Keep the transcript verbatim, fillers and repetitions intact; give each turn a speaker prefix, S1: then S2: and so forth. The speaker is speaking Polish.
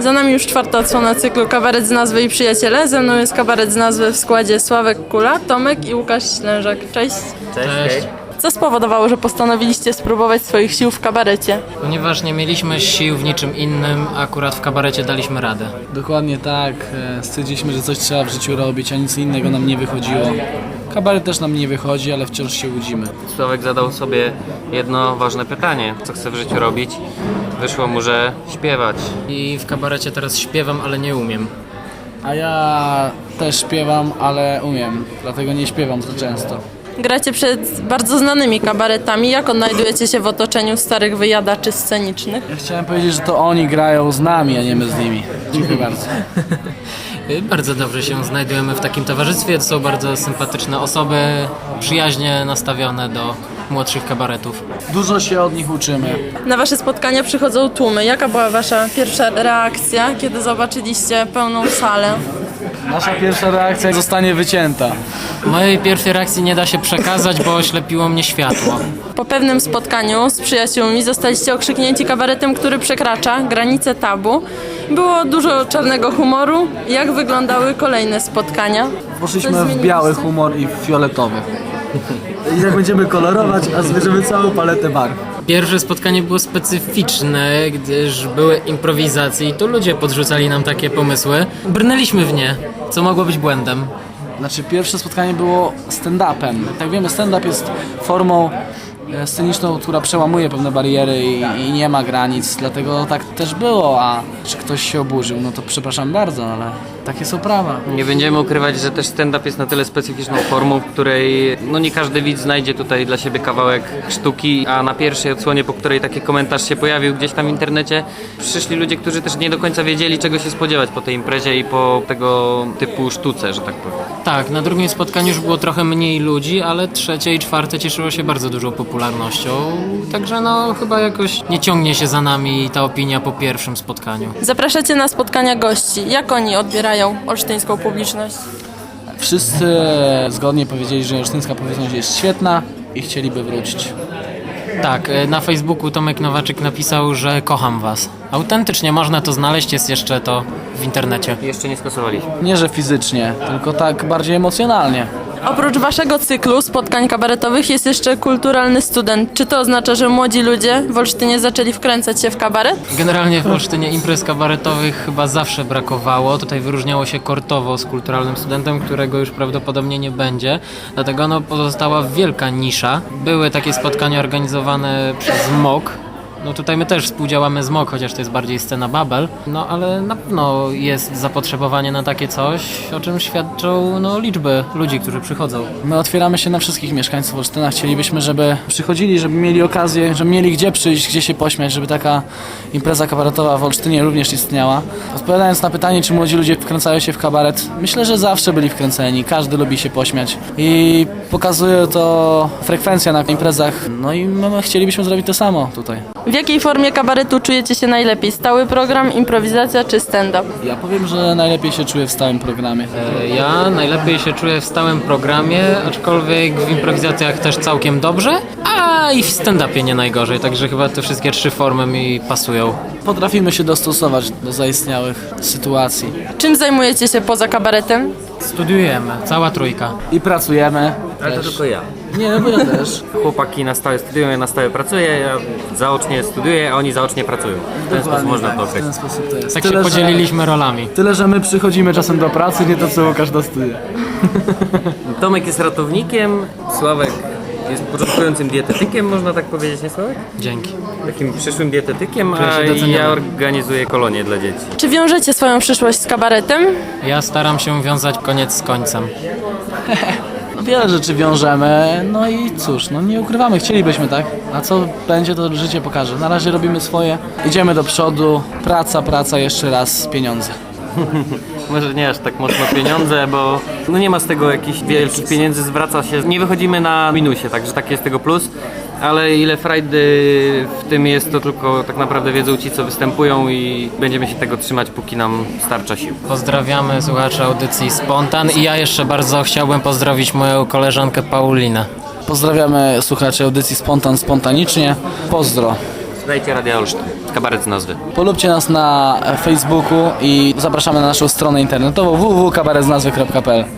S1: Za nami już czwarta odsłona cyklu Kabaret z nazwy i przyjaciele. Ze mną jest kabaret z nazwy w składzie Sławek Kula, Tomek i Łukasz Ślężak. Cześć.
S2: Cześć.
S1: Co spowodowało, że postanowiliście spróbować swoich sił w kabarecie?
S2: Ponieważ nie mieliśmy sił w niczym innym, akurat w kabarecie daliśmy radę.
S3: Dokładnie tak. E, Stwierdziliśmy, że coś trzeba w życiu robić, a nic innego nam nie wychodziło. Kabaret też nam nie wychodzi, ale wciąż się łudzimy.
S4: Sławek zadał sobie jedno ważne pytanie, co chce w życiu robić. Wyszło mu, że śpiewać.
S2: I w kabarecie teraz śpiewam, ale nie umiem.
S3: A ja też śpiewam, ale umiem, dlatego nie śpiewam za często.
S1: Gracie przed bardzo znanymi kabaretami. Jak odnajdujecie się w otoczeniu starych wyjadaczy scenicznych?
S3: Ja chciałem powiedzieć, że to oni grają z nami, a nie my z nimi. Dziękuję bardzo.
S2: Bardzo dobrze się znajdujemy w takim towarzystwie. To są bardzo sympatyczne osoby, przyjaźnie nastawione do młodszych kabaretów.
S3: Dużo się od nich uczymy.
S1: Na wasze spotkania przychodzą tłumy. Jaka była wasza pierwsza reakcja, kiedy zobaczyliście pełną salę?
S3: Nasza pierwsza reakcja zostanie wycięta.
S2: Mojej pierwszej reakcji nie da się przekazać, bo oślepiło mnie światło.
S1: Po pewnym spotkaniu z przyjaciółmi zostaliście okrzyknięci kabaretem, który przekracza granice tabu. Było dużo czarnego humoru. Jak wyglądały kolejne spotkania?
S5: Poszliśmy
S1: Coś
S5: w
S1: zmieniliście?
S5: biały humor i w fioletowy. I tak będziemy kolorować, a zbierzemy całą paletę barw.
S2: Pierwsze spotkanie było specyficzne, gdyż były improwizacje i tu ludzie podrzucali nam takie pomysły. Brnęliśmy w nie, co mogło być błędem.
S3: Znaczy, pierwsze spotkanie było stand-upem. Jak wiemy, stand-up jest formą e, sceniczną, która przełamuje pewne bariery i, i nie ma granic, dlatego tak też było, a czy ktoś się oburzył, no to przepraszam bardzo, ale takie są prawa.
S4: Nie będziemy ukrywać, że też stand-up jest na tyle specyficzną formą, w której no nie każdy widz znajdzie tutaj dla siebie kawałek sztuki, a na pierwszej odsłonie, po której taki komentarz się pojawił gdzieś tam w internecie, przyszli ludzie, którzy też nie do końca wiedzieli, czego się spodziewać po tej imprezie i po tego typu sztuce, że tak powiem.
S2: Tak, na drugim spotkaniu już było trochę mniej ludzi, ale trzecie i czwarte cieszyło się bardzo dużą popularnością. Także no chyba jakoś nie ciągnie się za nami ta opinia po pierwszym spotkaniu.
S1: Zapraszacie na spotkania gości. Jak oni odbierają olsztyńską publiczność?
S3: Wszyscy zgodnie powiedzieli, że olsztyńska publiczność jest świetna i chcieliby wrócić.
S2: Tak, e, na Facebooku Tomek Nowaczyk napisał, że kocham was. Autentycznie można to znaleźć, jest jeszcze to w internecie.
S4: Jeszcze nie skasowaliśmy.
S3: Nie, że fizycznie, tylko tak bardziej emocjonalnie.
S1: Oprócz waszego cyklu spotkań kabaretowych jest jeszcze kulturalny student. Czy to oznacza, że młodzi ludzie w Olsztynie zaczęli wkręcać się w kabaret?
S2: Generalnie w Olsztynie imprez kabaretowych chyba zawsze brakowało. Tutaj wyróżniało się Kortowo z kulturalnym studentem, którego już prawdopodobnie nie będzie. Dlatego no, pozostała wielka nisza. Były takie spotkania organizowane przez M O K. No tutaj my też współdziałamy z M O K, chociaż to jest bardziej scena Babel. No ale na pewno jest zapotrzebowanie na takie coś, o czym świadczą no, liczby ludzi, którzy przychodzą.
S3: My otwieramy się na wszystkich mieszkańców Olsztyna. Chcielibyśmy, żeby przychodzili, żeby mieli okazję, żeby mieli gdzie przyjść, gdzie się pośmiać, żeby taka impreza kabaretowa w Olsztynie również istniała. Odpowiadając na pytanie, czy młodzi ludzie wkręcają się w kabaret, myślę, że zawsze byli wkręceni. Każdy lubi się pośmiać i pokazuje to frekwencja na imprezach. No i my chcielibyśmy zrobić to samo tutaj.
S1: W jakiej formie kabaretu czujecie się najlepiej? Stały program, improwizacja czy stand-up?
S3: Ja powiem, że najlepiej się czuję w stałym programie.
S2: E, Ja najlepiej się czuję w stałym programie, aczkolwiek w improwizacjach też całkiem dobrze, a i w stand-upie nie najgorzej, także chyba te wszystkie trzy formy mi pasują.
S3: Potrafimy się dostosować do zaistniałych sytuacji.
S1: Czym zajmujecie się poza kabaretem?
S2: Studiujemy, cała trójka.
S3: I pracujemy.
S4: Ale to tylko ja.
S3: Nie, no bo ja też.
S4: Chłopaki na stałe studiują, ja na stałe pracuję, ja zaocznie studiuję, a oni zaocznie pracują. W ten sposób można to
S3: W
S4: określić.
S3: ten sposób to jest.
S2: Tak
S3: Tyle,
S2: się
S3: że-
S2: podzieliliśmy rolami.
S3: Tyle, że my przychodzimy czasem do pracy, nie to co Łukasz do studia.
S4: Tomek jest ratownikiem, Sławek jest początkującym dietetykiem, można tak powiedzieć, nie Sławek?
S2: Dzięki.
S4: Takim przyszłym dietetykiem,
S2: Czuję się
S4: a
S2: doceniony.
S4: ja organizuję kolonie dla dzieci.
S1: Czy wiążecie swoją przyszłość z kabaretem?
S2: Ja staram się wiązać koniec z końcem.
S3: No wiele rzeczy wiążemy, no i cóż, no nie ukrywamy, chcielibyśmy, tak? A co będzie, to życie pokaże. Na razie robimy swoje, idziemy do przodu, praca, praca, jeszcze raz, pieniądze.
S4: Może nie aż tak mocno pieniądze, bo no nie ma z tego jakichś wielkich pieniędzy, zwraca się, nie wychodzimy na minusie, także taki jest tego plus. Ale ile frajdy w tym jest, to tylko tak naprawdę wiedzą ci, co występują i będziemy się tego trzymać, póki nam starcza sił.
S2: Pozdrawiamy słuchaczy audycji Spontan i ja jeszcze bardzo chciałbym pozdrowić moją koleżankę Paulinę.
S3: Pozdrawiamy słuchaczy audycji Spontan spontanicznie. Pozdro.
S4: Słuchajcie Radia Olsztyn, kabaret z nazwy.
S3: Polubcie nas na Facebooku i zapraszamy na naszą stronę internetową w w w kropka kabaret z nazwy kropka p l.